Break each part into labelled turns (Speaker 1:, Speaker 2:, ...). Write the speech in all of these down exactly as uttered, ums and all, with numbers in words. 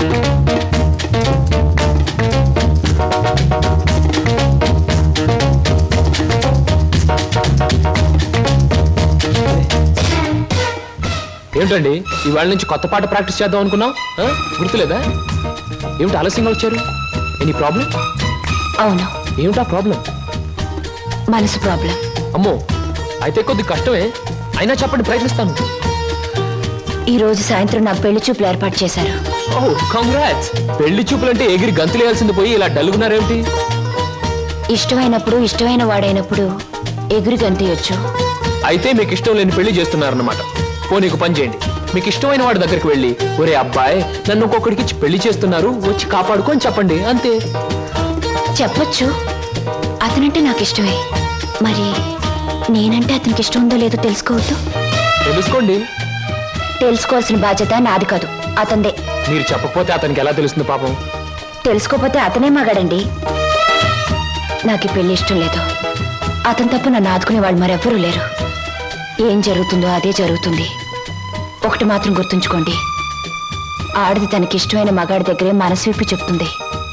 Speaker 1: ఏమిటండి ఇవాళ నుంచి కొత్త పాట ప్రాక్టీస్ చేద్దాం అనుకున్నాం, గుర్తులేదా? ఏమిటి ఆలస్యంగా వచ్చారు? Any problem?
Speaker 2: అవును.
Speaker 1: ఏమిటా ప్రాబ్లం?
Speaker 2: మనసు ప్రాబ్లం.
Speaker 1: అమ్మో, అయితే కొద్ది కష్టమే, అయినా చెప్పండి, ప్రయత్నిస్తాను.
Speaker 2: ఈ రోజు సాయంత్రం నా పెళ్లి చూపులు ఏర్పాటు చేశారు.
Speaker 1: ఓ కంగ్రాట్స్. పెళ్లి చూపులంటే ఎగిరి గంతులేయాల్సింది పోయి ఇలా డల్గున్నారేమిటి?
Speaker 2: ఇష్టమైనప్పుడు ఇష్టమైన వాడైనప్పుడు ఎగిరి గంతయొచ్చు.
Speaker 1: అయితే మీకు ఇష్టం లేని పెళ్లి చేస్తున్నారన్నమాట. ఓ నీకు పని చేయండి, మీకు ఇష్టమైన వాడి దగ్గరికి వెళ్ళి, ఒరే అబ్బాయి నన్ను ఒక్కొక్కడికి ఇచ్చి పెళ్లి చేస్తున్నారు, వచ్చి కాపాడుకొని చెప్పండి, అంతే.
Speaker 2: చెప్పొచ్చు, అతనంటే నాకు ఇష్టమే. మరి నేనంటే అతనికి ఇష్టం ఉందో లేదో తెలుసుకోవద్దు?
Speaker 1: తెలుసుకోండి.
Speaker 2: తెలుసుకోవాల్సిన బాధ్యత నాది కాదు, అతందే.
Speaker 1: మీరు చెప్పకపోతే అతనికి ఎలా తెలుస్తుంది పాపం?
Speaker 2: తెలుసుకోపోతే అతనే మగాడండి. నాకు ఈ పెళ్లి ఇష్టం లేదు. అతను తప్ప నన్ను ఆదుకునే వాళ్ళు మరెవ్వరూ లేరు. ఏం జరుగుతుందో అదే జరుగుతుంది. ఒకటి మాత్రం గుర్తుంచుకోండి, ఆడది తనకి ఇష్టమైన మగాడి దగ్గరే మనసు విప్పి చెప్తుంది.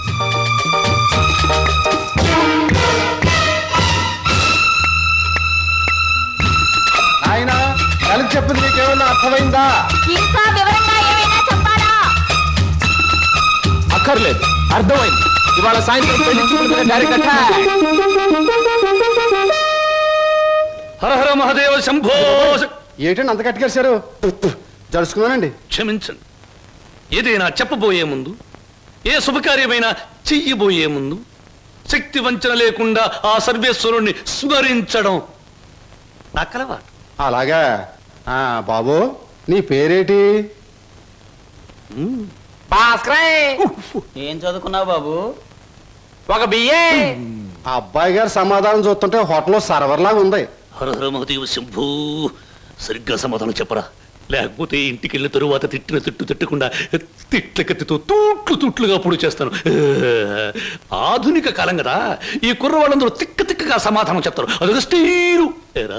Speaker 3: ఆయన కలిసి చెప్పింది నీకేమన్నా అర్థమైందా?
Speaker 2: ఇంకా వివరంగా ఏమైనా చెప్పాలా?
Speaker 1: అక్కర్లేదు, అర్థమైంది. ఇవాళ సాయంత్రం పెళ్లి చూపులు డైరెక్ట్ అటాక్.
Speaker 4: హర హర మహాదేవ శంభో.
Speaker 3: ఏంటండి అంత కట్టుకేశారు? జరుచుకున్నానండి.
Speaker 4: క్షమించండి. ఏదైనా చెప్పబోయే ముందు, ఏ శుభకార్యమైనా చెయ్యబోయే ముందు శక్తి వంచన లేకుండా ఆ సర్వేశ్వరుణ్ణి స్మరించడం నా కలవాటు.
Speaker 3: అలాగా. ఆ బాబు, నీ పేరేటి?
Speaker 5: ఏం చదువుకున్నావు బాబు?
Speaker 1: ఒక బియ్యే.
Speaker 3: ఆ అబ్బాయి గారు సమాధానం చూస్తుంటే హోటల్లో సర్వర్ లాగా ఉంది.
Speaker 4: హర హర మహాదేవ శంభూ. సరిగ్గా సమాధానం చెప్పరా, లేకపోతే ఇంటికి వెళ్ళిన తరువాత తిట్టిన తిట్టు తిట్టకుండా తిట్ల కత్తితో తూట్లు తూట్లుగా పొడి చేస్తాను. ఆధునిక కాలం కదా, ఈ కుర్రవాళ్ళందరూ తిక్క తిక్కగా సమాధానం చెప్తారు. అదొక స్టీరు.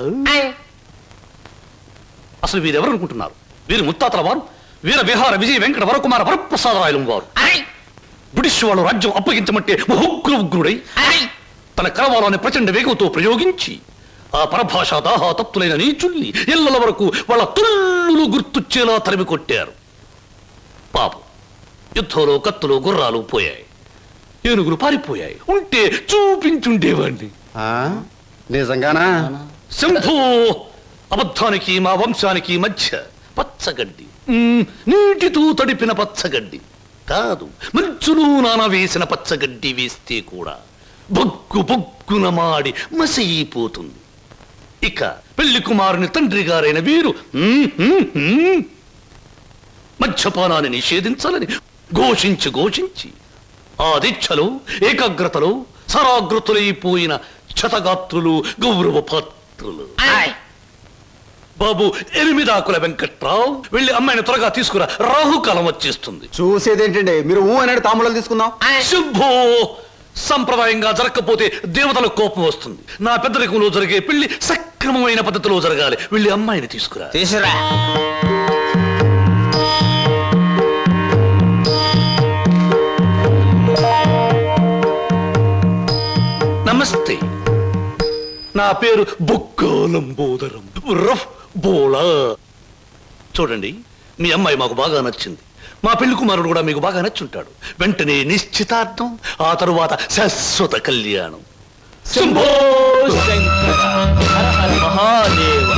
Speaker 4: అసలు వీరెవరు అనుకుంటున్నారు? వీరు ముత్తాతల వారు, వీర విహార విజయ వెంకట వరకుమార వరప్రసాదరాయలు వారు. బ్రిటిష్ వాళ్ళు రాజ్యం అప్పగించమంటే ఉగ్ర ఉగ్రుడై తన కరవాలని ప్రచండ వేగంతో ప్రయోగించి ఆ పరభాషా దాహాతత్తులైన నీచుల్ని ఇళ్ల వరకు వాళ్ళ తుల్లులు గుర్తుచ్చేలా తరిమి కొట్టారు. పాపం, యుద్ధంలో కత్తులు గుర్రాలు పోయాయి, ఏనుగులు పారిపోయాయి. ఉంటే చూపించుండేవాడిని.
Speaker 3: నిజంగానా?
Speaker 4: శంభూ. అబద్ధానికి మా వంశానికి మధ్య పచ్చగడ్డి, నీటితో తడిపిన పచ్చగడ్డి కాదు, మంచులో నాన వేసిన పచ్చగడ్డి వేస్తే కూడా బొగ్గు బొగ్గున మాడి మసైపోతుంది. ఇక పెళ్లి కుమారుని తండ్రి గారైన వీరు మద్యపానాన్ని నిషేధించాలని ఘోషించి ఘోషించి ఆ దీక్షలో ఏకాగ్రతలో సరాగ్రతులైపోయిన క్షతగాత్రులు, గౌరవ పాత్రులు. బాబు ఎనిమిదాకుల వెంకట్రావు, వెళ్ళి అమ్మాయిని త్వరగా తీసుకురా, రాహుకాలం వచ్చేస్తుంది.
Speaker 3: చూసేదేంటండి, మీరు ఊ అనేది తాములు తీసుకుందాం.
Speaker 4: శుభో. సంప్రదాయంగా జరగకపోతే దేవతలకు కోపం వస్తుంది. నా పెద్దరికంలో జరిగే పెళ్లి సక్రమమైన పద్ధతిలో జరగాలి. వెళ్ళి అమ్మాయిని తీసుకురా.
Speaker 5: తీసురా.
Speaker 4: నమస్తే, నా పేరు బొక్కాలంబోదరం రఫ్ బోలా. చూడండి, మీ అమ్మాయి మాకు బాగా నచ్చింది. మా పెళ్లి కుమారుడు కూడా మీకు బాగా నచ్చుంటాడు. వెంటనే నిశ్చితార్థం, ఆ తరువాత శాశ్వత కళ్యాణం. శంభో శంకర హర హర మహాదేవ.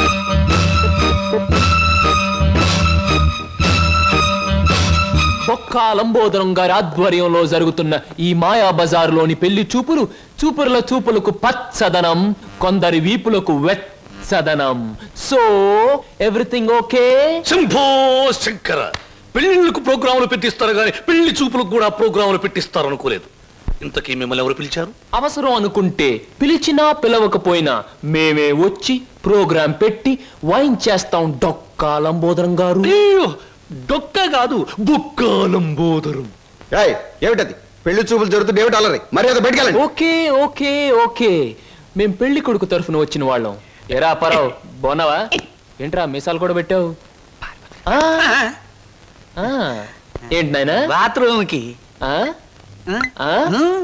Speaker 1: బొక్కాలంబోదరం గారి ఆధ్వర్యంలో జరుగుతున్న ఈ మాయా బజారులోని పెళ్లి చూపులు చూపుల చూపులకు పచ్చదనం, కొందరి వీపులకు వెచ్చదనం. So everything okay?
Speaker 4: Shambho Shankara. పెళ్లిళ్లకు ప్రోగ్రాములు పెట్టిస్తారు కానీ పెళ్లి చూపులకు కూడా ప్రోగ్రాములు పెట్టిస్తారు అనుకోలేదు. ఇంతకీ మిమ్మల్ని ఎవరు పిలిచారు?
Speaker 1: అవసరం అనుకుంటే పిలిచినా పిలవకపోయినా మేమే వచ్చి ప్రోగ్రాం పెట్టి వాయించేస్తాం డొక్కాలంబోదరం గారు.
Speaker 4: డొక్క కాదు, బొక్కాలంబోదరం.
Speaker 3: ఏమిటది? పెళ్లి చూపులు జరుగుతుంది, ఏమిటి అలరి? మర్యాద బయటకెళ్ళండి.
Speaker 1: ఓకే ఓకే ఓకే, మేం పెళ్లి కొడుకు తరఫున వచ్చిన వాళ్ళం. ఎరా పరావు, బాగున్నావా? ఏంట్రా మీసాలు కూడా పెట్టావు? ఏంటి నాయనా
Speaker 5: బాత్రూమ్ కి
Speaker 1: ఆ? ఆ?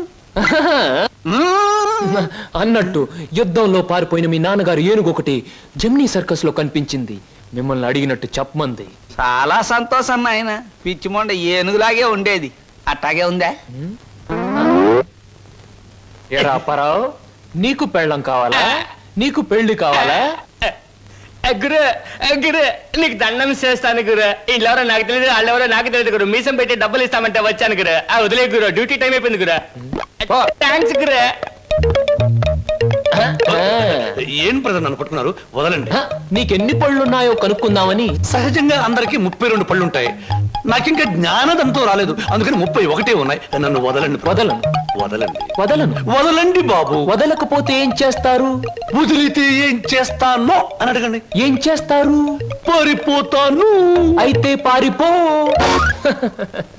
Speaker 1: అన్నట్టు యుద్ధంలో పారిపోయిన మీ నాన్నగారు ఏనుగొకటి జమ్నీ సర్కస్ లో కనిపించింది. మిమ్మల్ని అడిగినట్టు చెప్పమంది.
Speaker 5: చాలా సంతోషం నాయన. పిచ్చి మొండ ఏనుగులాగే ఉండేది, అట్టాగే ఉందా?
Speaker 1: ఏరా అప్పారావు, నీకు పెళ్ళం కావాలా? నీకు పెళ్లి కావాలా?
Speaker 6: గురు గురు నీకు దండం చేస్తాను గురు. వీళ్ళెవరో నాకు తెలియదు, వాళ్ళెవరో నాకు తెలియదు గురు. మీసం పెట్టి డబ్బులు ఇస్తామంటే వచ్చాను గురు. ఆ వదిలే గురు, డ్యూటీ టైం అయిపోయింది గురు. థ్యాంక్స్ గురు.
Speaker 4: ఏం ప్రజలు నన్ను పట్టుకున్నారు? వదలండి.
Speaker 1: హ, నీకెన్ని పళ్ళున్నాయో కనుక్కుందామని.
Speaker 4: సహజంగా అందరికి ముప్పై రెండు పళ్ళుంటాయి. నాకింకా జ్ఞానదంతో రాలేదు, అందుకని ముప్పై ఒకటే ఉన్నాయి. నన్ను వదలండి.
Speaker 1: వదలను
Speaker 4: వదలండి
Speaker 1: వదలను
Speaker 4: వదలండి బాబు.
Speaker 1: వదలకపోతే ఏం చేస్తారు?
Speaker 4: వదిలితే ఏం చేస్తానో అని అడగండి.
Speaker 1: ఏం చేస్తారు?
Speaker 4: పారిపోతాను.
Speaker 1: అయితే పారిపో.